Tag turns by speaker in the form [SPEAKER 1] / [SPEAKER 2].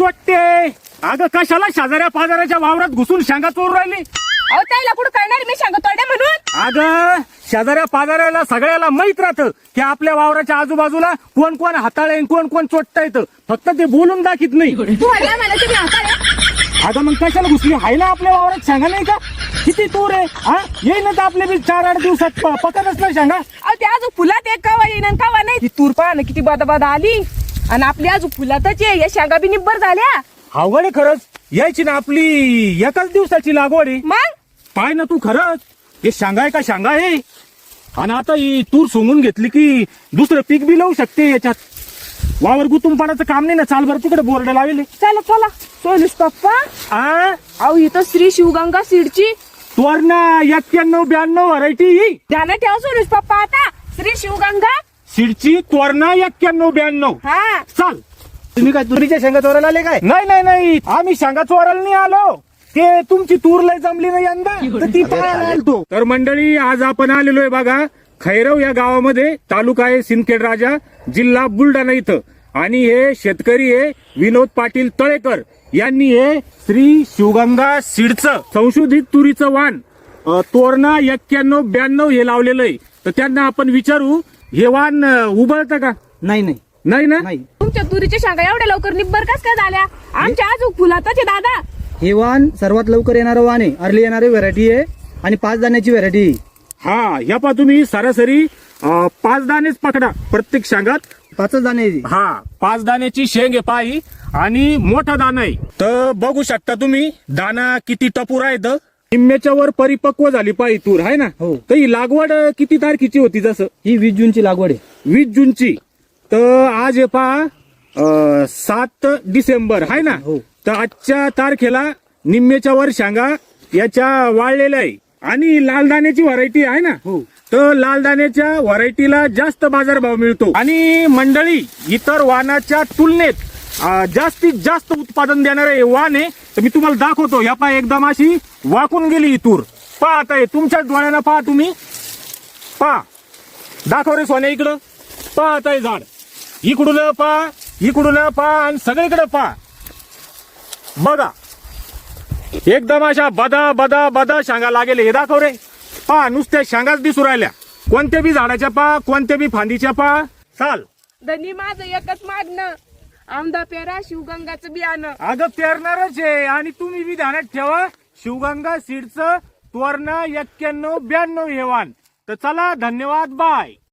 [SPEAKER 1] चोट्टे, अगं कशाला शेजाऱ्या पाजाऱ्याच्या वावरात घुसून शेंगा चोरून राहिली?
[SPEAKER 2] अहो त्याला कुठं कळणार मी सांगतो तोड्या म्हणून.
[SPEAKER 1] अगं शेजाऱ्या पाजाऱ्याला सगळ्याला माहित राहतं की आपल्या वावराच्या आजूबाजूला कोण कोण हाताळे कोण कोण चोट्टा येतं, फक्त ते बोलून दाखीत नाही.
[SPEAKER 2] तू हल्ला मला तुम्ही हाताळे.
[SPEAKER 1] अगं मग कशाला घुसली? हाय ना आपल्या वावरात शेंगा नाही का? किती तूर आहे हा? येईल ना तर आपले बी 4-8 दिवसात पकडच ना शेंगा.
[SPEAKER 2] अहो ते अजून फुलात एक कवा येईन आणि कवा नाही. ती तूर पहा ना किती बादा आली आणि आपली अजून फुलातच आहे. या शेंगा बी निब्बर झाल्या.
[SPEAKER 1] अवघड आहे खरंच. यायची ना आपली एकाच दिवसाची लागवड आहे.
[SPEAKER 2] मग
[SPEAKER 1] पाय ना तू खरंच हे शेंगा आहे का शेंगा आहे. आणि आता ही तूर सोंगून घेतली की दुसरं पीक बी लावू शकते याच्यात. वावर गुतून पडायचं काम नाही ना. चाल बरं तिकडे बोर्ड लावले.
[SPEAKER 2] चला चला सोनुष पप्पा. अहो इथं श्री शिवगंगा सीडची
[SPEAKER 1] तोरणा 91-92 व्हरायटी
[SPEAKER 2] ध्यानात ठेवा सोनुष पप्पा. आता श्री शिवगंगा
[SPEAKER 1] सीडची तोरणा 91-92.
[SPEAKER 2] हा
[SPEAKER 1] चाल.
[SPEAKER 3] तुम्ही काय तुरीच्या शेंगा चोरायला आले काय?
[SPEAKER 1] नाही नाही नाही, आम्ही शेंगा चोरायला नाही आलो. ते तुमची तूर लय जमली नाही यंदा तर ती पाहायला आलतो. तर मंडळी आज आपण आलेलो आहे बघा खैरव या गावामध्ये. तालुका आहे सिंदखेड राजा, जिल्हा बुलढाणा इथं. आणि हे शेतकरी आहे विनोद पाटील तळेकर यांनी हे श्री शिवगंगा सीडचं संशोधित तुरीचं वाण तोरणा 91-92 हे लावलेलं आहे. तर त्यांना आपण विचारू हे वाण उबळतं का?
[SPEAKER 3] नाही नाही
[SPEAKER 1] नाही ना.
[SPEAKER 3] नाही.
[SPEAKER 2] तुमच्या तुरीच्या शेंगा एवढ्या लवकर निब्बर कस काय झाल्या? आमच्या अजून फुलातच आहे दादा.
[SPEAKER 3] हे वाण सर्वात लवकर येणारं वाण आहे. अर्ली येणारी व्हरायटी आहे आणि 5 दाण्याची व्हरायटी आहे.
[SPEAKER 1] हा ह्या पा तुम्ही सरासरी 5 दाणेच पकडा प्रत्येक शेंगात.
[SPEAKER 3] 5 दाणे आहे.
[SPEAKER 1] हा 5 दाण्याची शेंग आहे पायी आणि मोठा दाना आहे. तर बघू शकता तुम्ही दाना किती टपूर आहेत. निम्म्याच्या वर परिपक्व झाली पायी तूर आहे ना.
[SPEAKER 3] हो.
[SPEAKER 1] तर ही लागवड किती तारखेची होती? जसं
[SPEAKER 3] ही 20 जूनची लागवड आहे.
[SPEAKER 1] 20 जूनची. तर आज आहे पहा 7 डिसेंबर आहे ना.
[SPEAKER 3] हो.
[SPEAKER 1] तर आजच्या तारखेला निम्म्याच्या वर शेंगा याच्या वाळलेल्या आहे. आणि लाल दाण्याची व्हरायटी आहे ना.
[SPEAKER 3] हो.
[SPEAKER 1] तर लाल दाण्याच्या व्हरायटीला जास्त बाजारभाव मिळतो. आणि मंडळी इतर वाहनाच्या तुलनेत जास्तीत जास्त उत्पादन देणारे वाहन आहे. तर मी तुम्हाला दाखवतो. या पहा एकदम अशी वाकून गेली ही तूर. पहा आता हे तुमच्या डोळ्यानं पहा तुम्ही. पहा दाखव रे सोन्या इकडं. पहा आता हे झाड इकडून पहा इकडून पहा आणि सगळीकडे पहा. बघा एकदम अशा बदा बदा बदा शेंगा लागेल. हे दाखव रे. पहा नुसत्या शेंगाच दिसू राहिल्या. कोणत्या बी झाडाच्या पहा कोणत्या बी फांदीच्या पहा. चाल.
[SPEAKER 2] धनी माझं एकच मागणं आमदा पेरा शिवगंगाचं बियाणं.
[SPEAKER 1] अगं पेरणारच आहे. आणि तुम्ही बी ध्यानात ठेवा शिवगंगा सीडचं तोरणा 91-92 हे वाण. तर चला धन्यवाद बाय.